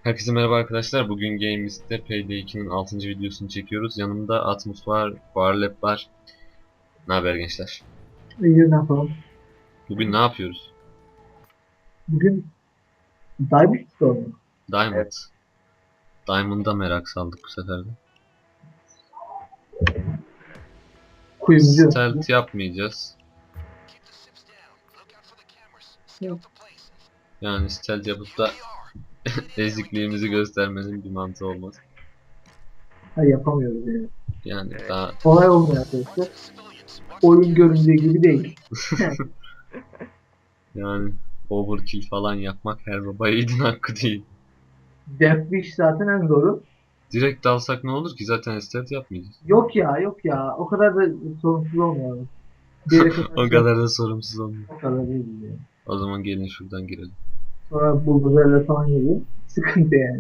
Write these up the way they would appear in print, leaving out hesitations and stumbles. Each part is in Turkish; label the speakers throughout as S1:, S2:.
S1: Herkese merhaba arkadaşlar. Bugün Games'te Payday 2'nin 6. videosunu çekiyoruz. Yanımda Atmos var, Warlap var. Ne haber gençler?
S2: İyi, ne yapalım?
S1: Bugün ne yapıyoruz?
S2: Bugün Diamond Store mu?
S1: Diamond.
S3: Evet.
S1: Diamond'a merak saldık bu sefer de.
S2: Kuyumcu.
S1: Stealth yapmayacağız. Yani stealth yapıp da ezikliğimizi göstermenin bir mantığı olmaz.
S2: Ha, yapamıyoruz yani.
S1: Yani
S3: Evet.
S1: daha
S2: Olay olmuyor arkadaşlar. Oyun göründüğü gibi değil.
S1: yani overkill falan yapmak her baba yiğidin hakkı değil.
S2: Deathwish zaten en zoru.
S1: Direkt dalsak ne olur ki? Zaten stealth yapmayacağız.
S2: Yok ya, yok ya. O kadar da sorunsuz olmuyor. Bir yere kadar
S1: O kadar da sorumsuz olmuyor.
S2: o kadar değil yani.
S1: O zaman gelin şuradan girelim.
S2: Sonra buldozerler falan geliyor. Sıkıntı yani.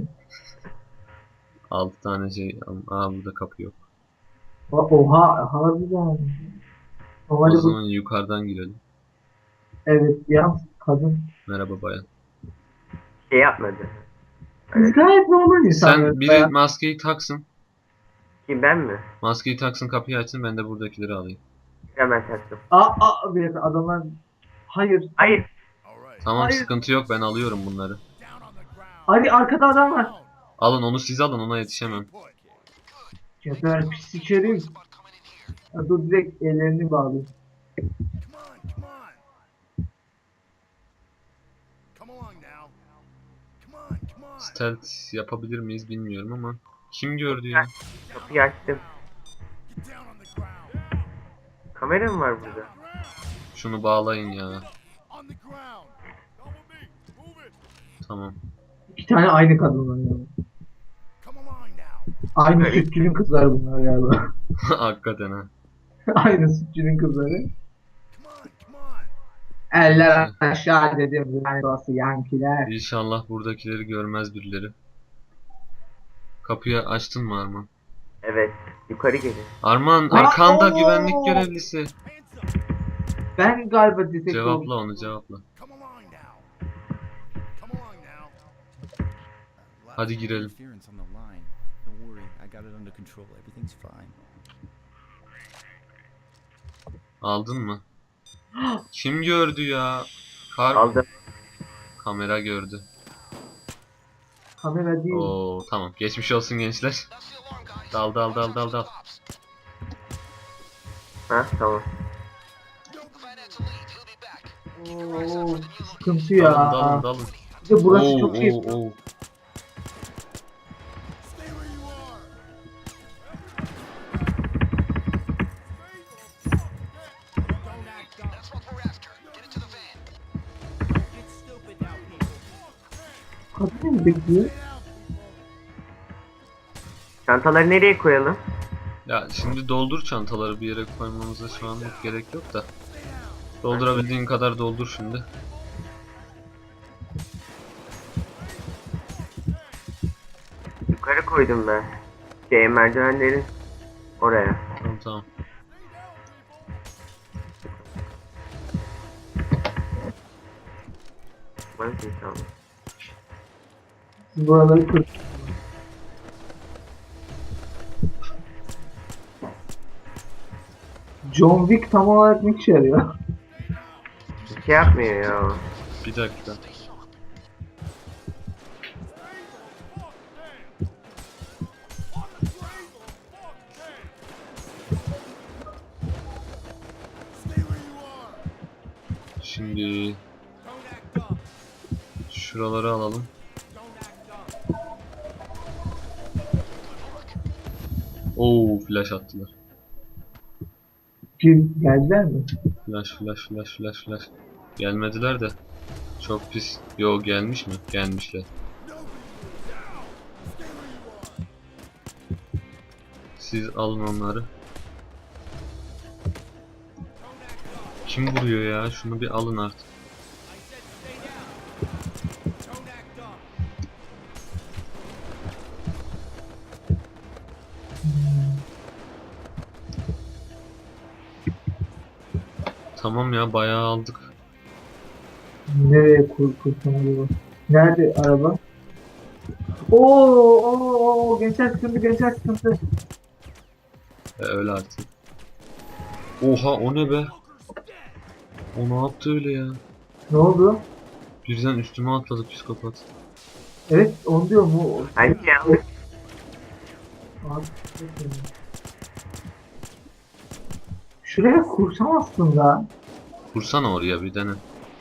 S1: 6 tane şey. Aa, burada kapı yok.
S2: Oha, harbiden.
S1: O
S2: Normalde bu,
S1: zaman yukarıdan girelim.
S2: evet ya, kadın.
S1: Merhaba bayan.
S3: Şey yapmadı.
S2: Biz gayet normal insanlarız
S1: Sen biri
S2: ya.
S1: maskeyi taksın.
S3: Kim, ben mi?
S1: Maskeyi taksın, kapıyı açsın, ben de buradakileri alayım.
S3: Hemen taktım.
S2: Bir dakika, adamlar... Hayır.
S3: Hayır.
S1: Tamam,
S2: Hayır.
S1: sıkıntı yok, ben alıyorum bunları.
S2: Hadi, arkada adam var.
S1: Alın onu, siz alın, ona yetişemem.
S2: Geber pis içerim. Ya dur, direkt ellerini bağlayayım.
S1: Stealth yapabilir miyiz bilmiyorum ama. Kim gördü ya?
S3: Kapıyı açtım. Kamera mı var burada?
S1: Şunu bağlayın ya. Tamam.
S2: İki tane aynı kadınlar yani. Aynı sütçünün kızları bunlar galiba.
S1: Hakikaten ha.
S2: Aynı sütçünün kızları. Eller aşağı dedim. Yani doğası yankiler.
S1: İnşallah buradakileri görmez birileri. Kapıyı açtın mı Arman?
S3: Evet. Yukarı gelin.
S1: Arman,
S2: Aa,
S1: arkanda
S2: oo!
S1: güvenlik görevlisi.
S2: Ben galiba detektif
S1: Cevapla
S2: oldum.
S1: onu, cevapla. Hadi girelim.
S4: Interference on the line. Don't worry, I got it under control. Everything's fine.
S1: Aldın mı? Kim gördü ya?
S3: Aldım.
S1: Kamera gördü.
S2: Kamera değil.
S1: Oo, tamam. Geçmiş olsun gençler. Dal dal dal dal dal.
S3: Ha, tamam.
S2: Oo, sıkıntı ya.
S1: Dalın dalın dalın.
S2: Bir de burası
S1: Oo,
S2: çok iyi.
S1: oo, oo.
S2: Kadın mı bekliyor?
S3: Çantaları nereye koyalım?
S1: Ya şimdi doldur çantaları, bir yere koymamıza şu anlık gerek yok da. Doldurabildiğin kadar doldur şimdi.
S3: Yukarı koydum ben. Merdivenlerin oraya.
S1: Tamam tamam.
S3: Bana tamam.
S2: Siz buraları kır. John Wick tam olarak ne işe yarıyor?
S3: Bir şey yapmıyor ya.
S1: Bir dakika. Şimdi şuraları alalım. Oo, flash attılar.
S2: Geldiler mi?
S1: Flash flash flash flash flash. Gelmediler de. Çok pis. Yo, gelmiş mi? Gelmişler. Siz alın onları. Kim vuruyor ya? Şunu bir alın artık. Tamam ya, bayağı aldık.
S2: Nereye kursam acaba? Nerede araba? Oo, gençler sıkıntı, gençler sıkıntı.
S1: Öyle artık. Oha o ne be? O ne yaptı öyle ya?
S2: Ne oldu?
S1: Birden üstüme atladı psikopat.
S2: Evet, onu diyor mu?
S3: Bence yanlış.
S2: Abi, şuraya kursam aslında.
S1: Kursana oraya bir dene.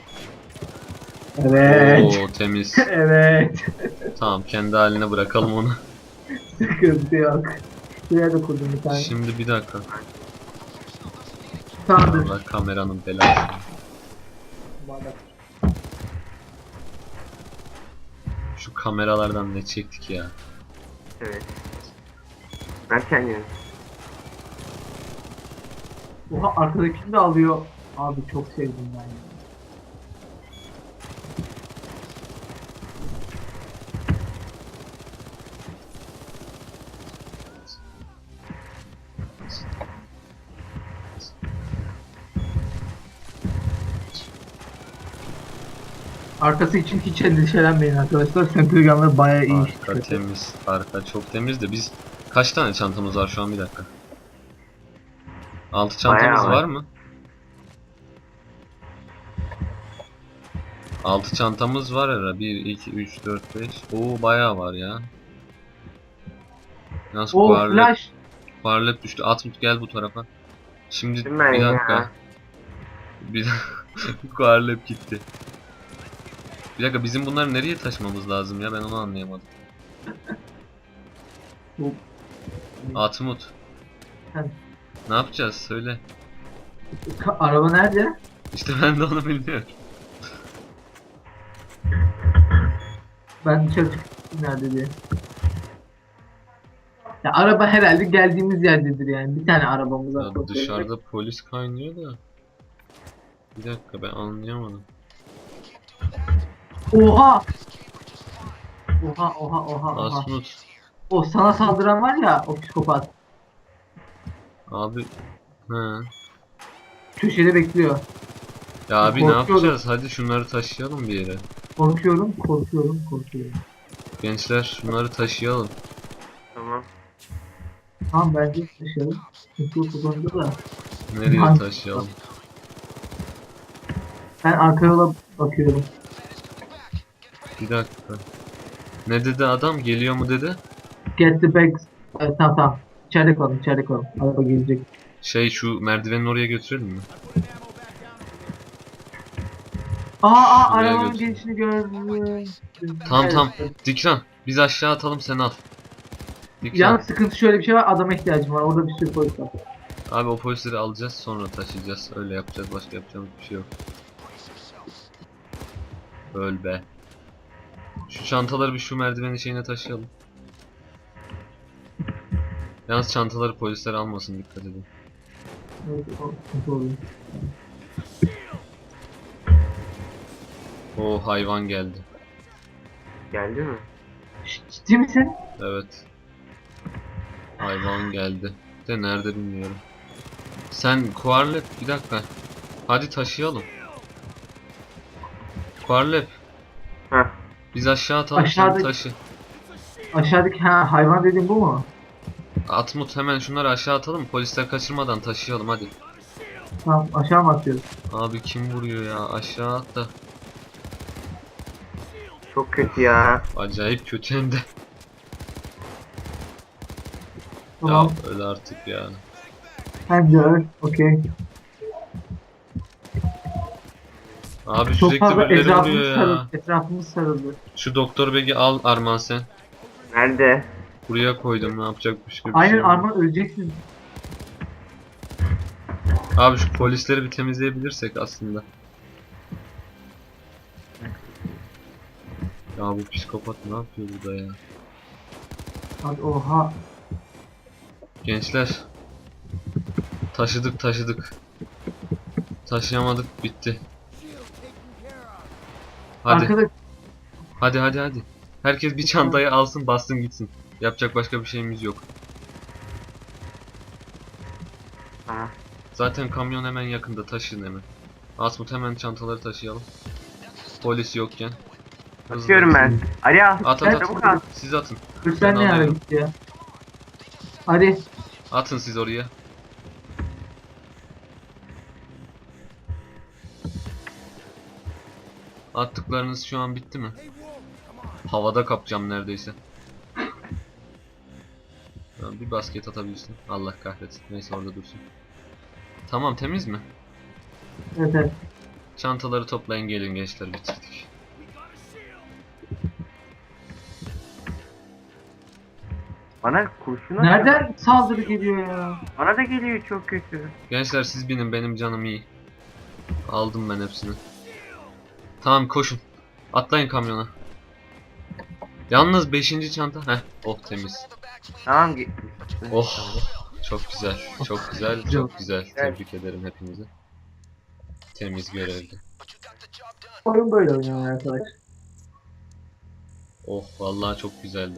S2: Evet.
S1: Oo temiz.
S2: Evet.
S1: Tamam kendi haline bırakalım onu.
S2: Sıkıntı yok. Şuraya da kurdum bir tane.
S1: Şimdi bir dakika.
S2: Tamamdır.
S1: Allah kameranın belası. Şu kameralardan ne çektik ya.
S3: Evet. Ben kendim.
S2: Oha, arkadakini de alıyor. Abi çok sevdim ben ya. Arkası için hiç endişelenmeyin arkadaşlar. Sentriganlar bayağı iyi iş
S1: Arka
S2: çıkartıyor.
S1: temiz. Arka çok temiz de biz kaç tane çantamız var şu an bir dakika. 6 çantamız
S3: Bayağı var.
S1: var mı? 6 çantamız var herhalde. 1, 2, 3, 4, 5. Oo bayağı var ya. Nasıl
S2: Oo,
S1: kuarlet,
S2: flash.
S1: kuarlet düştü. Atmut gel bu tarafa. Şimdi
S3: Değil mi
S1: bir
S3: ya?
S1: dakika. Bir dakika. Kuarlet gitti. Bir dakika bizim bunları nereye taşımamız lazım ya ben onu anlayamadım.
S2: Bu-
S1: Atmut.
S2: Heh.
S1: Ne yapacağız söyle.
S2: Araba nerede?
S1: İşte ben de onu bilmiyorum.
S2: Ben dışarı çıktım nerede diye. Ya araba herhalde geldiğimiz yerdedir yani. Bir tane arabamız var.
S1: Ya dışarıda polis kaynıyor da. Bir dakika ben anlayamadım.
S2: Oha! Oha.
S1: Asmut.
S2: O sana saldıran var ya, o psikopat.
S1: Abi. He.
S2: Köşede bekliyor.
S1: Ya abi ne
S2: Korkuyorum.
S1: yapacağız? Hadi şunları taşıyalım bir yere.
S2: Korkuyorum.
S1: Gençler şunları taşıyalım.
S3: Tamam.
S2: Tamam, bence taşıyalım. Sıkıntı yok bu konuda da.
S1: Nereye
S2: Hangi-
S1: taşıyalım?
S2: Ben arka yola bakıyorum.
S1: Bir dakika. Ne dedi adam? Geliyor mu dedi?
S2: Get the bags. Evet, tamam. İçeride kalın. Araba gelecek.
S1: Şey şu merdivenin oraya götürelim mi? Şuraya
S2: Arabanın
S1: götür.
S2: gelişini gördüm.
S1: Tamam.
S2: Evet.
S1: Dikran. Biz aşağı atalım sen al. Dikran.
S2: Yalnız sıkıntı şöyle bir şey var. Adama ihtiyacım var. Orada bir sürü polis var.
S1: Abi o polisleri alacağız sonra taşıyacağız. Öyle yapacağız. Başka yapacağımız bir şey yok. Öl be. Şu çantaları bir şu merdivenin şeyine taşıyalım. Yalnız çantaları polisler almasın dikkat edin.
S2: Evet, o sıkıntı oluyor.
S1: O hayvan geldi.
S3: Geldi mi?
S2: Ciddi misin?
S1: Evet. Hayvan geldi. De nerede bilmiyorum. Sen Kuarlep bir dakika. Hadi taşıyalım. Kuarlep
S3: Heh.
S1: biz aşağı atalım sen
S2: Aşağıdaki-
S1: taşı.
S2: Aşağıdaki hayvan dediğin bu mu?
S1: Atmut hemen şunları aşağı atalım polisler kaçırmadan taşıyalım hadi.
S2: Tamam, aşağı mı atıyoruz?
S1: Abi kim vuruyor ya aşağı at da.
S3: Çok kötü ya.
S1: Acayip kötü hem de.
S2: Tamam.
S1: Ya öyle artık ya.
S2: Hem de öyle. Okey.
S1: Abi
S2: Çok
S1: sürekli
S2: fazla
S1: birileri
S2: etrafımız
S1: vuruyor ya.
S2: sarıldı. Etrafımız sarıldı.
S1: Şu doktor begi al Arman sen.
S3: Nerede?
S1: Buraya koydum ne yapacak başka bir
S2: Aynen,
S1: şey yok.
S2: Arman öleceksin.
S1: Abi şu polisleri bir temizleyebilirsek aslında. Ya bu psikopat ne yapıyor burada ya?
S2: Hadi oha.
S1: Gençler. Taşıdık. Taşıyamadık bitti. Hadi
S2: Arkada
S1: hadi. Herkes bir çantayı alsın bassın gitsin. Yapacak başka bir şeyimiz yok.
S3: Ha.
S1: Zaten kamyon hemen yakında taşın hemen. Asmut hemen çantaları taşıyalım. Polis yokken. Hızlı.
S3: Atıyorum ben. Ali al.
S1: At
S2: Ben-
S1: at
S3: Çabuk
S1: at.
S3: at.
S1: Siz atın.
S2: Kürsen
S1: Ben
S2: ne ara
S1: alıyorum.
S2: gitti ya? Hadi.
S1: Atın siz oraya. Attıklarınız şu an bitti mi? Havada kapacağım neredeyse. Tamam, bir basket atabilirsin. Allah kahretsin. Neyse orada dursun. Tamam, temiz mi?
S2: Evet evet.
S1: Çantaları toplayın, gelin gençler, bitirdik.
S3: Bana kurşun atıyor.
S2: Nereden saldırı geliyor ya?
S3: Bana da geliyor çok kötü.
S1: Gençler siz binin, benim canım iyi. Aldım ben hepsini. Tamam, koşun. Atlayın kamyona. Yalnız 5. çanta. Heh, oh temiz.
S3: Tamam
S1: Oh, çok güzel. Çok güzel. Çok güzel. Tebrik ederim hepinizi. Temiz görevdi.
S2: Oyun böyle oynuyor arkadaş.
S1: Oh, vallahi çok güzeldi.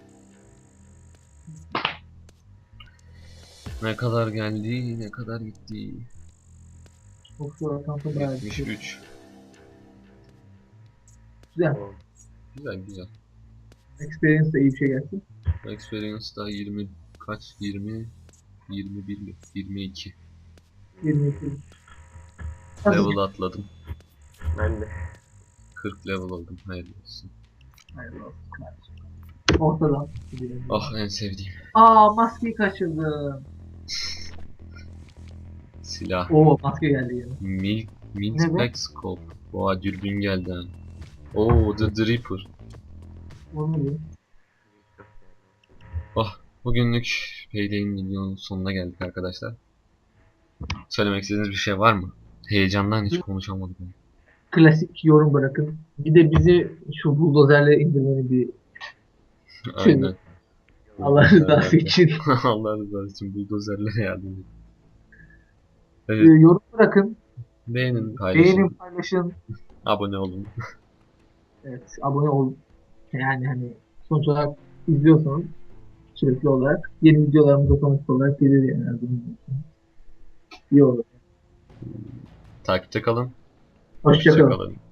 S1: Ne kadar geldi, ne kadar gitti.
S2: Çok zor kampı bayağı bir şey.
S1: 73.
S2: Güzel.
S1: Güzel güzel.
S2: Experience de iyi bir şey gelsin.
S1: Experience da 20 kaç? 20 21 mi? 22.
S2: 22.
S1: Level atladım.
S3: Ben de.
S1: 40 level oldum. Hayırlı olsun.
S2: Hayırlı olsun kardeşim. Ortadan.
S1: Ah, en sevdiğim
S2: Aa, maskeyi kaçırdım.
S1: silah.
S2: Oo, maske geldi yine.
S1: Mint
S2: Ne bu?
S1: Pack Scope. Oha, dürbün geldi ha. Oo, The Reaper.
S2: Onu mu diyor?
S1: Oh, bugünlük Payday'in videonun sonuna geldik arkadaşlar. Söylemek istediğiniz bir şey var mı? Heyecandan hiç konuşamadım.
S2: Klasik yorum bırakın. Bir de bizi şu buldozerle indirmeni bir
S1: Aynen.
S2: Allah rızası için.
S1: Allah rızası için buldozerlere yardım edin. Evet,
S2: Yorum bırakın.
S1: beğenin, paylaşın,
S2: Beğenin, paylaşın.
S1: abone olun.
S2: Evet, abone ol. Yani hani sonuç olarak izliyorsanız sürekli olarak yeni videolarımız otomatik olarak gelir yani. Her zaman. İyi olur.
S1: Takipte kalın.
S2: Hoşça kalın.
S1: Hoşça kalın.